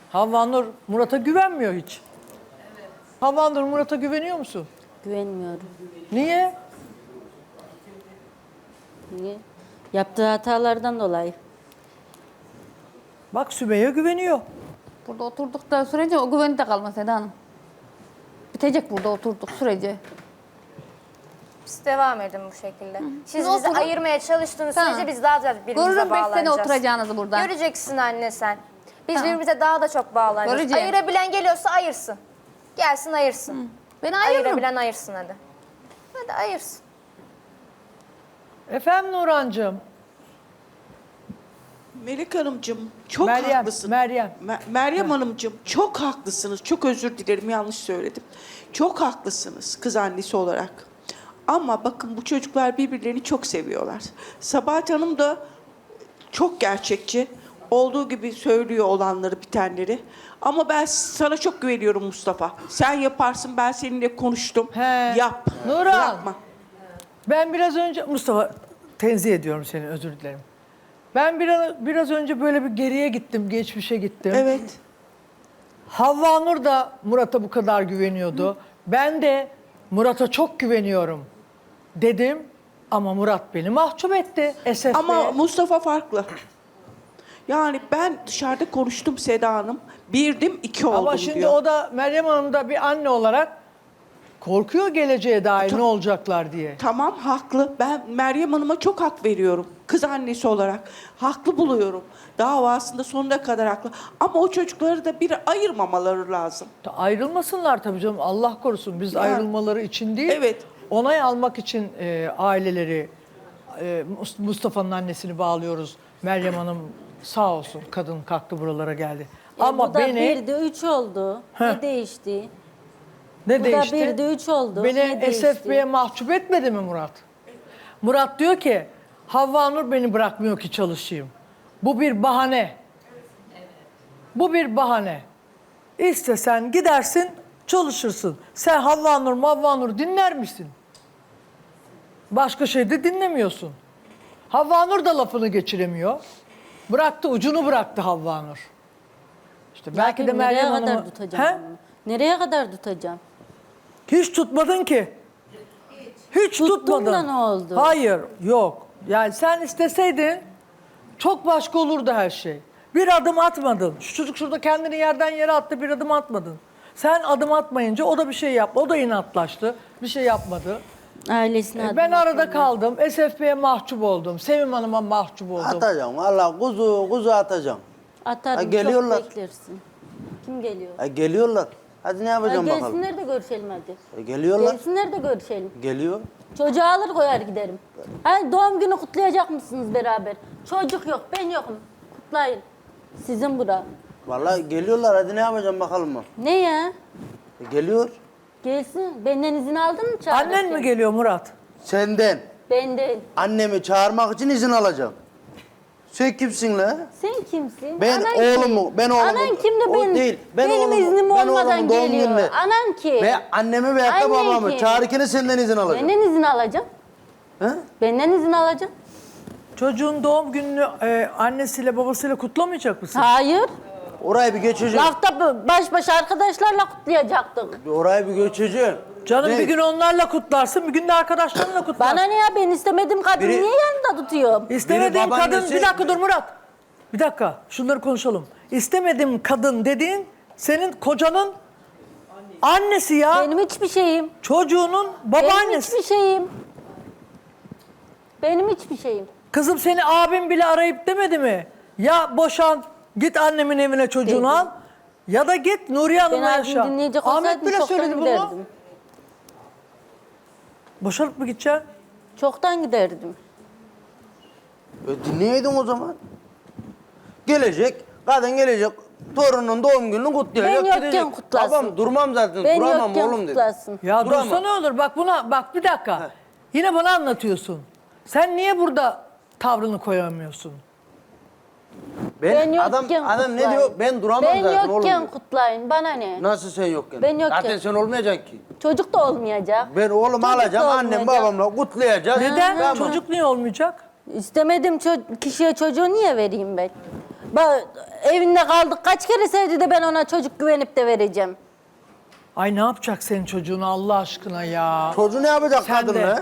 Havva Nur Murat'a güvenmiyor hiç. Evet. Havva Nur Murat'a güveniyor musun? Güvenmiyorum. Niye? Niye? Yaptığı hatalardan dolayı. Bak Sümeyye güveniyor. Burada oturduktan sürece o güveni de kalmaz Seda Hanım. Bitecek burada oturduk sürece. Siz devam edin bu şekilde. Siz Siz bizi oturun. ayırmaya çalıştığınız Tamam. sürece biz daha da birbirimize Görürüm 5 sene bağlanacağız. oturacağınızı burada. Göreceksin anne sen. Biz Tamam. birbirimize daha da çok bağlanacağız. Göreceğim. Ayırabilen geliyorsa ayırsın. Gelsin ayırsın. Beni ayırırım. Ayırabilen ayırsın hadi. Hadi ayırsın. Efendim Nurhancığım? Melek Hanımcığım çok Meryem, haklısın. Meryem. Meryem Hanımcığım çok haklısınız. Çok özür dilerim yanlış söyledim. Çok haklısınız kız annesi olarak. Ama bakın bu çocuklar birbirlerini çok seviyorlar. Sabahat Hanım da çok gerçekçi. Olduğu gibi söylüyor olanları, bitenleri. Ama ben sana çok güveniyorum Mustafa. Sen yaparsın, ben seninle konuştum. He. Yap. Nurhan. Bırakma. Ben biraz önce Mustafa tenzih ediyorum seni, özür dilerim. Ben biraz önce böyle bir geriye gittim, geçmişe gittim. Evet. Havva Nur da Murat'a bu kadar güveniyordu. Ben de Murat'a çok güveniyorum dedim. Ama Murat beni mahcup etti. SFB. Ama Mustafa farklı. Yani ben dışarıda konuştum Seda Hanım. Birdim, iki oldum Ama şimdi diyor. o da Meryem Hanım da bir anne olarak korkuyor geleceğe dair ne olacaklar diye. Tamam haklı. Ben Meryem Hanım'a çok hak veriyorum. Kız annesi olarak. Haklı buluyorum. Davasında sonuna kadar haklı. Ama o çocukları da bir ayırmamaları lazım. Ayrılmasınlar tabii canım, Allah korusun. Biz ayrılmaları için değil, Evet. onay almak için aileleri, Mustafa'nın annesini bağlıyoruz. Meryem Hanım sağ olsun, kadın kalktı buralara geldi. Ama Bu da beni... 1'de 3 oldu. Ne değişti? Ne Bu değişti? da 1'de 3 oldu. Beni Ne değişti? SFB'ye mahcup etmedi mi Murat? Murat diyor ki, Havva Nur beni bırakmıyor ki çalışayım. Bu bir bahane. Bu bir bahane. İstesen gidersin, çalışırsın. Sen Havva Nur dinler misin? Başka şey de dinlemiyorsun. Havva Nur da lafını geçiremiyor. Bıraktı, ucunu bıraktı Havva Nur. İşte belki de Nereye Meryem kadar Hanım'ı... tutacağım He? bunu? Nereye kadar tutacağım? Hiç tutmadın ki. Hiç Tuttum tutmadın. da ne oldu? Hayır, yok. Yani sen isteseydin çok başka olurdu her şey. Bir adım atmadın. Şu çocuk şurada kendini yerden yere attı, bir adım atmadın. Sen adım atmayınca o da bir şey yaptı. O da inatlaştı. Bir şey yapmadı. Ailesine Ben adım arada atmadı. kaldım. SFB'ye mahcup oldum. Sevim Hanım'a mahcup oldum. Atacağım valla kuzu atacağım. Atarım, Ha, geliyorlar. çok beklersin. Kim geliyor? Geliyorlar. Hadi ne Ha, yapacağım bakalım. gelsinler de görüşelim hadi. Geliyorlar. Gelsinler de görüşelim. Geliyor. Çocuğu alır koyar giderim. Hani doğum günü kutlayacak mısınız beraber? Çocuk yok, ben yokum. Kutlayın. Sizin bura. Valla geliyorlar hadi ne yapacağım bakalım mı? Ne ya? Geliyor. Gelsin. Benden izin aldın mı çağırırken? Annen mi geliyor Murat? Senden Benden. annemi çağırmak için izin alacağım. Sen kimsin la? Sen kimsin? Ben Anan oğlumu, kim? ben oğlumu. Anan kim de O benim, değil, ben benim oğlumu- iznim ben olmadan oğlumun doğum geliyor. gününe- Anan kim? Ve annemi veyahut da Annen babamı kim? çağırırken senden izin alacağım. Benden izin alacağım. He? Benden izin alacağım. Çocuğun doğum gününü annesiyle babasıyla kutlamayacak mısın? Hayır. Orayı bir geçeceğim. Lafta baş başa arkadaşlarla kutlayacaktık. Orayı bir geçeceğim. Canım Ne? bir gün onlarla kutlarsın, bir gün de arkadaşlarınla kutlarsın. Bana ne ya, ben istemediğim kadını Biri- niye yanında tutuyorum? İstemediğim Biri kadın, babaannesi- bir dakika dur Murat. Bir dakika, şunları konuşalım. İstemediğim kadın dediğin senin kocanın annesi ya. Benim hiçbir şeyim. Çocuğunun Benim babaannesi. hiçbir şeyim. Benim hiçbir şeyim. Kızım seni abin bile arayıp demedi mi? Ya boşan, git annemin evine çocuğunu Dedi. al. Ya da git Nuriye Ben Hanım'la abimi yaşa. dinleyecek Ahmet olsaydım bile çoktan söyledi bunu. giderdim. Boşanıp mı gideceksin? Çoktan giderdim. Dinleyeydin o zaman. Gelecek, kadın gelecek, torunun doğum gününü kutlayacak. Ben yokken gidecek. kutlasın. Babam durmam zaten, Ben duramam yokken oğlum dedi. kutlasın. Ya Duramam. dursa ne olur? Bak buna, bak bir dakika. Yine bana anlatıyorsun. Sen niye burada tavrını koyamıyorsun? Ben adam yokken ne kutlayın. diyor? Ben duramam ben zaten oğlum. yokken diyor. kutlayın. Bana ne? Nasıl sen yokken? Ben yokken. Zaten sen olmayacaksın ki. Çocuk da olmayacak. Ben oğlumu Çocuk da alacağım, annem olmayacak. babamla kutlayacağız. Neden? Tamam. Çocuk niye olmayacak? İstemediğim kişiye çocuğu niye vereyim ben? Evinde kaldık. Kaç kere sevdi de ben ona çocuk güvenip de vereceğim. Ay ne yapacak senin çocuğunu Allah aşkına ya? Çocuğu ne yapacak Sen kadın de. ne?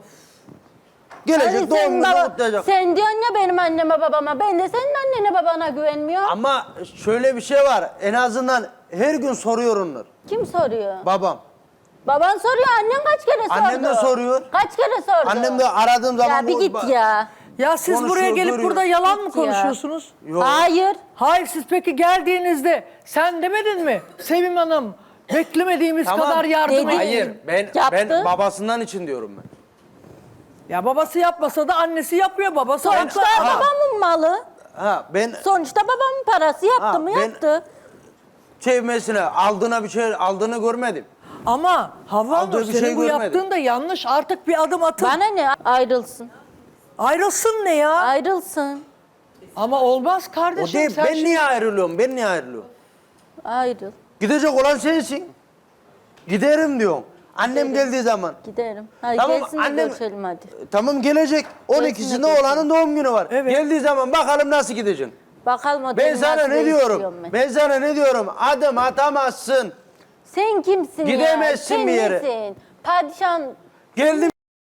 Gelecek Hani doğum sen gününü kutlayacak. Sen diyorsun ya benim anneme babama. Ben de senin annene babana güvenmiyorum. Ama şöyle bir şey var. En azından her gün soruyor onlar. Kim soruyor? Babam. Baban soruyor. Annen kaç kere sordu? Annem de soruyor. Kaç kere sordu? Annem de aradığım zaman... Ya bir git ya. Ya siz buraya Konuşuyor, gelip görüyor. burada yalan mı Git ya. konuşuyorsunuz? Yok. Hayır. Hayır siz peki geldiğinizde sen demedin mi? Sevim Hanım beklemediğimiz Tamam. kadar yardım Dedi. edin. Hayır ben Yaptı. babasından için diyorum ben. Ya babası yapmasa da annesi yapıyor. Babası Sonuçta haklı. babamın malı. Ha ben Sonuçta babamın parası yaptı Ha, mı ben- yaptı. çevmesine aldığına bir şey aldığını görmedim. Ama Havva Aldığı Hanım bir senin şey bu görmedim. yaptığın da yanlış. Artık bir adım atın. Bana ne? Ayrılsın. Ayrılsın ne ya? Ayrılsın. Ama olmaz O kardeşim. değil sen ben şimdi- niye ayrılıyorum? Ben niye ayrılıyorum? Ayrıl. Gidecek olan sensin. Giderim diyorsun. Annem geldiği zaman. Giderim. Hadi Tamam, gelsin de annem- görüşelim hadi. Tamam gelecek. 12'sinde gelsin. oğlanın doğum günü var. Evet. Geldiği zaman bakalım nasıl gideceksin. Bakalım o Ben deli sana nasıl ne diyorum? değiştiriyorum ben. Ben sana ne diyorum? Adım atamazsın. Sen kimsin ya? Gidemezsin Sen bir yere. nesin? Padişahın Geldim.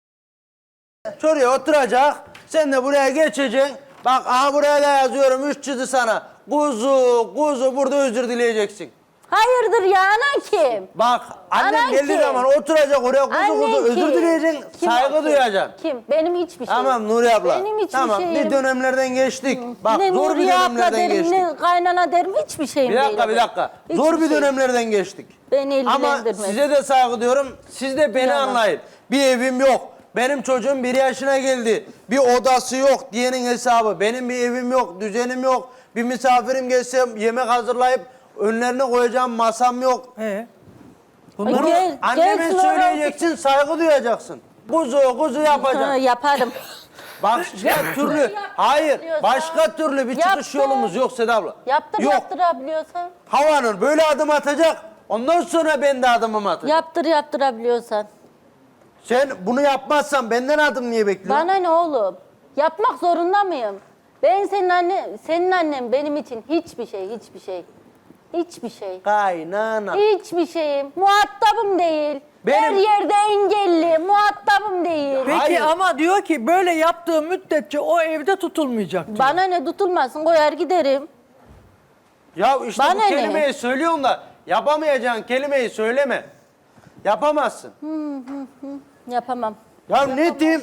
Şuraya oturacak. Sen de buraya geçeceksin. Bak aha buraya da yazıyorum 3 çizdi sana. Kuzu burada özür dileyeceksin. hayırdır ya anan kim? Bak annem Anan geldiği kim? zaman oturacak oraya Annen özür kim? dileyeceksin. Kim o Saygı kim? duyacaksın. Kim? Benim hiçbir şeyim. Tamam Nuri abla. Benim hiçbir tamam şeyim. bir dönemlerden geçtik. Bak ne zor bir Nuriye abla dönemlerden derim, geçtik. ne kaynana derim hiçbir şeyim Bir değil. dakika bir dakika. Hiçbir Zor bir şeyim. dönemlerden geçtik. Beni Ama ilgilendirmez. size de saygı diyorum. Siz de beni Yalan. anlayın. Bir evim yok. Benim çocuğum 1 yaşına geldi. Bir odası yok diyenin hesabı. Benim bir evim yok, düzenim yok. Bir misafirim gelse yemek hazırlayıp önlerine koyacağım masam yok. Bunları Gel, Anneme gelsin oraya. söyleyeceksin, saygı duyacaksın. Kuzu Ha, yapacaksın. yaparım. Başka türlü, hayır, başka türlü bir çıkış Yaptı. yolumuz yok Seda abla. Yaptır Yok. yaptırabiliyorsan. Havanur böyle adım atacak. Ondan sonra ben de adımımı atacağım. Yaptır yaptırabiliyorsan. Sen bunu yapmazsan benden adım niye bekliyorsun? Bana ne oğlum? Yapmak zorunda mıyım? Ben senin annen benim için hiçbir şey. Hiçbir şey. Kaynana. Hiçbir şeyim. Muhatabım değil. Benim- Her yerde engelli. Muhatabım değil. Peki Hayır. ama diyor ki böyle yaptığı müddetçe o evde tutulmayacak diyor. Bana ne tutulmasın koyar giderim. Ya işte Bana bu ne? kelimeyi söylüyorsun da yapamayacağın kelimeyi söyleme. Yapamazsın. Yapamam. Ya netim.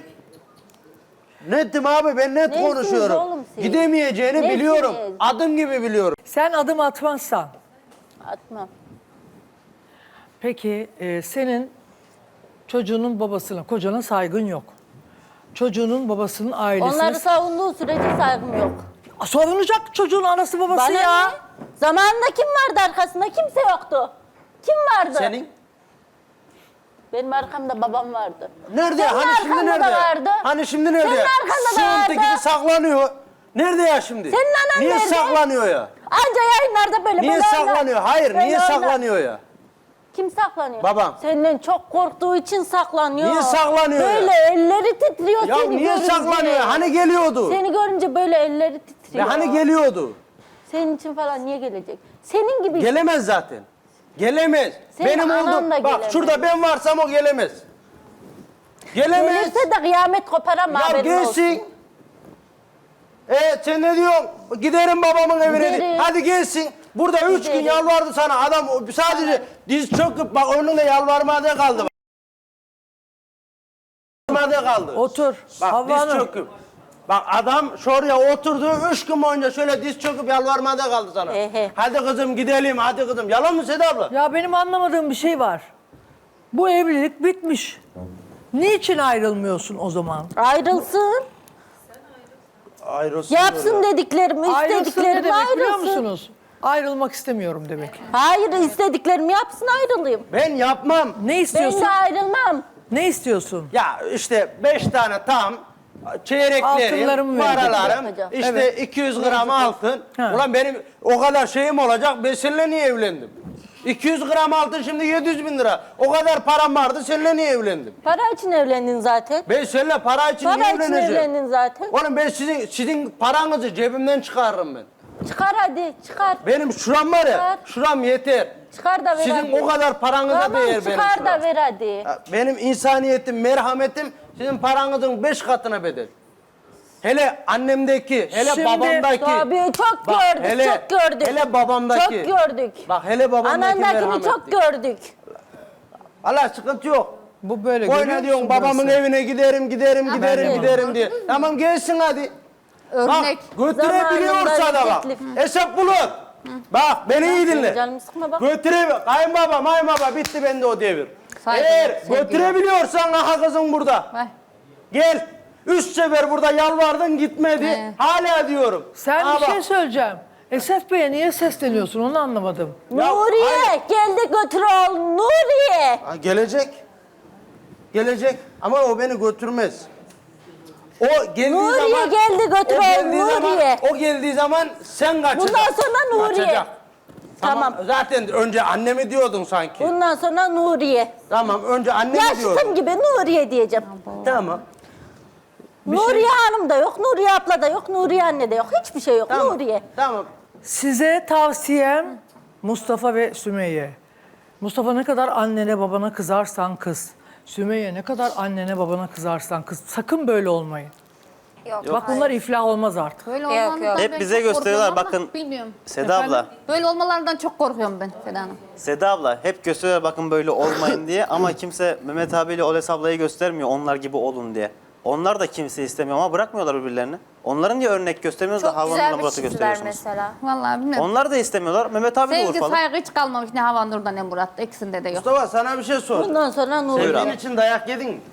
Netim abi ben net Nesiniz konuşuyorum. oğlum siz? Gidemeyeceğini Nesiniz? biliyorum. Adım gibi biliyorum. Sen adım atmazsan Atmam. peki senin çocuğunun babasına, kocana saygın yok. Çocuğunun babasının ailesine... Onları savunduğu sürece saygım yok. Savunacak çocuğun anası babası Bana ya. ne? Zamanında kim vardı arkasında? Kimse yoktu. Kim vardı? Senin? Benim arkamda babam vardı. Nerede? Senin Hani şimdi arkanda nerede? da vardı. Hani şimdi nerede? Senin arkanda da Sığıntı gibi vardı. saklanıyor. Nerede ya şimdi? Senin anan Niye nerede? saklanıyor ya? Anca yayınlarda böyle Niye böyle saklanıyor? Hayır, böyle niye oynar. saklanıyor ya? Kim saklanıyor? Babam. Senden çok korktuğu için saklanıyor. Niye saklanıyor ya? Böyle elleri titriyor Ya seni niye görünce. saklanıyor? Hani geliyordu? Seni görünce böyle elleri Ve titriyor. hani geliyordu? Senin için falan niye gelecek? Senin gibi Gelemez zaten. Gelemez. Senin Benim anan oldum. da Bak gelemez. şurada ben varsam o gelemez. Gelemez. gelirse de kıyamet kopar ama Ya haberin olsun. gelsin. Sen ne diyorsun? Giderim babamın evine. Giderim. Hadi gelsin. Burada 3 gün Giderim. yalvardı sana. Adam sadece diz çöküp bak önünde yalvarmada kaldı. Yalvarmada kaldı. Otur. Bak Havva diz Hanım. çöküp. Bak adam şuraya oturdu 3 gün boyunca şöyle diz çöküp yalvarmada kaldı sana. Ehe. Hadi kızım gidelim hadi kızım. Yalan mı Seda abla? Ya benim anlamadığım bir şey var. Bu evlilik bitmiş. Niçin ayrılmıyorsun o zaman? Ayrılsın. Ayrılsın Yapsın dediklerimi, Ayrılsın ne istediklerimi demek biliyor ayrılsın. musunuz? Ayrılmak istemiyorum demek. Hayır istediklerimi yapsın ayrılayım. Ben yapmam. Ne Ben istiyorsun? de ayrılmam. Ne istiyorsun? Ya işte 5 tane tam çeyreklerim, Altınlarımı verecek. paralarım, Hocam. işte Evet. 200 gram altın. Ha. Ulan benim o kadar şeyim olacak, ben seninle niye evlendim? 200 gram altın şimdi 700 bin lira. O kadar param vardı, seninle niye evlendim? Para için evlendin zaten. Ben seninle para için Para niye için evleneceğim? evlendin zaten. Oğlum ben sizin paranızı cebimden çıkarırım ben. Çıkar hadi çıkar. Benim şuram var ya, Çıkar. şuram yeter. Çıkar da ver Sizin hadi. o kadar paranıza Tamam değer benim çıkar şuram. da ver hadi. Ya, benim insaniyetim, merhametim sizin paranızın 5 katına bedel. Hele annemdeki, hele Şimdi- babamdaki. Tabii çok Bak, gördük, hele- çok gördük. hele babamdaki. Çok gördük. Bak hele babamdaki Anandakini merhametli. çok gördük. Allah sıkıntı yok. Bu böyle Oyna görüyor diyorsun musun babamın burası? evine giderim ben de. giderim diye. Tamam gelsin hadi. Örnek. Bak götürebiliyorsa da bak. Zamanında Hesap bulun. Bak beni iyi dinle. Canımı sıkma bak. Kayınbaba bitti bende o devir. Saygı, Eğer sevgi. götürebiliyorsan aha kızın burada. Vay. Gel. 3 sefer burada yalvardın gitmedi. He. Hala diyorum. Sen Ha bir bak. şey söyleyeceğim. Esef Bey'e niye sesleniyorsun onu anlamadım. Ya, Nuriye hayır. geldi götür oğlum Nuriye. Ha, gelecek. Gelecek ama o beni götürmez. O geldiği Nuriye zaman geldi götür o oğlum geldiği zaman Nuriye. o geldiği zaman sen kaçacaksın. Bundan sonra Nuriye. Kaçacak. Tamam. Zaten önce annemi diyordun sanki. Bundan sonra Nuriye. Tamam önce annemi Yaşıtım diyordun. gibi Nuriye diyeceğim. Tamam. Nuriye Hanım da yok, Nuriye abla da yok, Nuriye anne de yok. Hiçbir şey yok. Tamam. Nuriye. Tamam. Size tavsiyem Mustafa ve Sümeyye. Mustafa ne kadar annene babana kızarsan kız. Sümeyye ne kadar annene babana kızarsan kız. Sakın böyle olmayın. Yok. Bak bunlar iflah olmaz artık. Böyle Yok, olmalarından yok. ben Hep bize çok gösteriyorlar, korkuyorum ama bakın. Bilmiyorum. Seda abla, Böyle olmalarından çok korkuyorum ben Seda Hanım. Seda abla hep gösteriyorlar bakın böyle olmayın diye ama kimse Mehmet abiyle Oles ablayı göstermiyor onlar gibi olun diye. Onlar da kimse istemiyor ama bırakmıyorlar birbirlerini. Onların niye örnek göstermiyoruz da Çok Havanur'la güzel bir Murat'ı çizgiler gösteriyorsunuz? mesela. Vallahi bilmiyorum. Onlar da istemiyorlar. Mehmet abi de Sevgi, Urfalı. saygı hiç kalmamış ne Havanur'da ne Murat'ta. İkisinde de yok. Mustafa sana bir şey sor. Bundan sonra Nuriye. Sevdiğin için dayak yedin mi?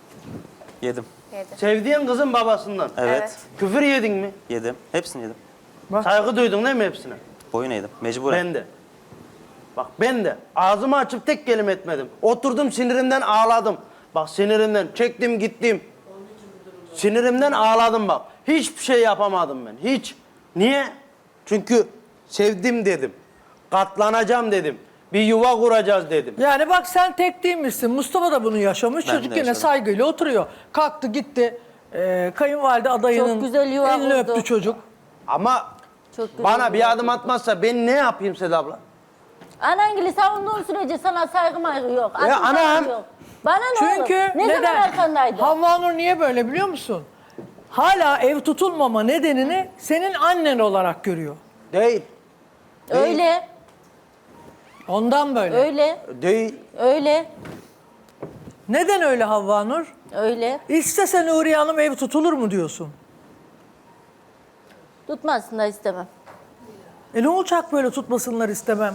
Yedim. Yedi. Sevdiğin kızın babasından. Evet. Evet. Küfür yedin mi? Yedim. Hepsini yedim. Saygı duydun değil mi hepsine? Boyun eğdim. Mecburen. Ben de. Bak ben de ağzımı açıp tek kelime etmedim. Oturdum sinirimden ağladım. Bak sinirimden çektim gittim. Sinirimden ağladım bak. Hiçbir şey yapamadım ben. Hiç. Niye? Çünkü sevdim dedim. Katlanacağım dedim. Bir yuva kuracağız dedim. Yani bak sen tek değil misin? Mustafa da bunu yaşamış. Ben de Çocuk yine yaşadım. saygıyla oturuyor. Kalktı gitti. Kayınvalide adayının Çok güzel yuva elini kurdu. öptü çocuk. Ama Çok güzel bana bir adım atmazsa ben ne yapayım Seda abla? Anangili savunduğun sürece sana saygı maygı yok. Ya Adım anam. saygı yok. Bana ne Çünkü olur? Ne zaman neden? arkandaydı? Havva Nur niye böyle biliyor musun? Hala ev tutulmama nedenini senin annen olarak görüyor. Değil. Öyle, Ondan böyle. öyle, Değil. öyle, Neden öyle Havva Nur? öyle. İstese Nuriye Hanım ev tutulur mu diyorsun? Tutmasın da istemem. Ne olacak böyle tutmasınlar istemem.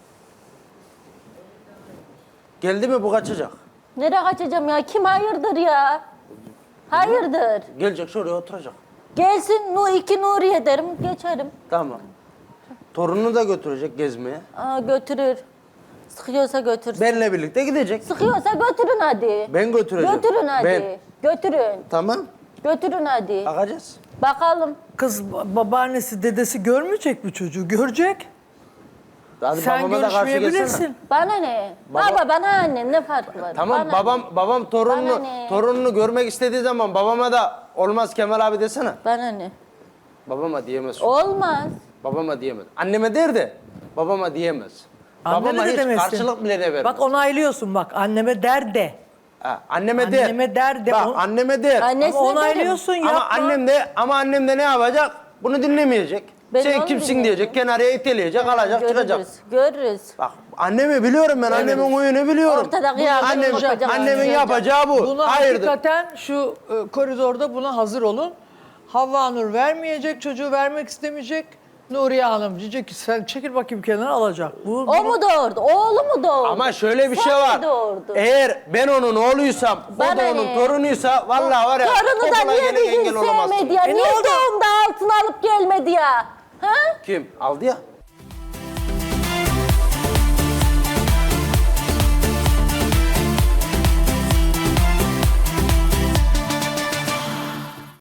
Geldi mi bu kaçacak. Nereye kaçacağım ya? Kim hayırdır ya? Hayırdır. Gelecek şuraya oturacak. Gelsin iki Nuriye derim, geçerim. Tamam. Torununu da götürecek gezmeye. Aa, götürür. Sıkıyorsa götürsün. Benle birlikte gidecek. Sıkıyorsa götürün hadi. Ben götüreceğim. Götürün hadi. Ben. Götürün. Tamam. Götürün hadi. Bakacağız. Bakalım. Kız babaannesi dedesi görmeyecek mi çocuğu? Görecek. Hadi Sen babama da karşı görüşmeyebilirsin. gelsene. Bana ne? Baba bana annem ne farkı var? Tamam Bana babam Bana torununu ne? torununu görmek istediği zaman babama da olmaz Kemal abi desene. Bana ne? Babama diyemez. Olmaz. Babama diyemez. Anneme der de babama diyemez. Anneme babama de hiç demesin. karşılık bile de vermez. Bak onaylıyorsun bak anneme der de. Ha, anneme der. Anneme der de. Bak On- anneme der. Annesine Ama derim. onaylıyorsun yapma. Ama annem de ne yapacak? Bunu dinlemeyecek. Ben Sen onu kimsin dinleyeceğim. diyecek, kenarıya iteleyecek, alacak, çıkacak. Görürüz. Görürüz. Bak annemi biliyorum ben, annemin huyunu biliyorum. Ortada kıyamet Annem, olacak. annemin yapacağı bu. Buna Hayırdır? hakikaten şu koridorda buna hazır olun. Havva Nur vermeyecek, çocuğu vermek istemeyecek. Nuriye Hanım diyecek ki sen çekil bakayım kenara alacak. O mu doğurdu? Oğlu mu doğurdu? Ama şöyle bir Sen şey mi var. doğurdun? Eğer ben onun oğluysam, o Bana da onun ne? torunuysa vallahi var ya. Torunu da okula niye gene bir gün engel olamazsın. sevmedi ya? ne Niye oldu? doğumda altın alıp gelmedi ya? Ha? Kim? Aldı ya.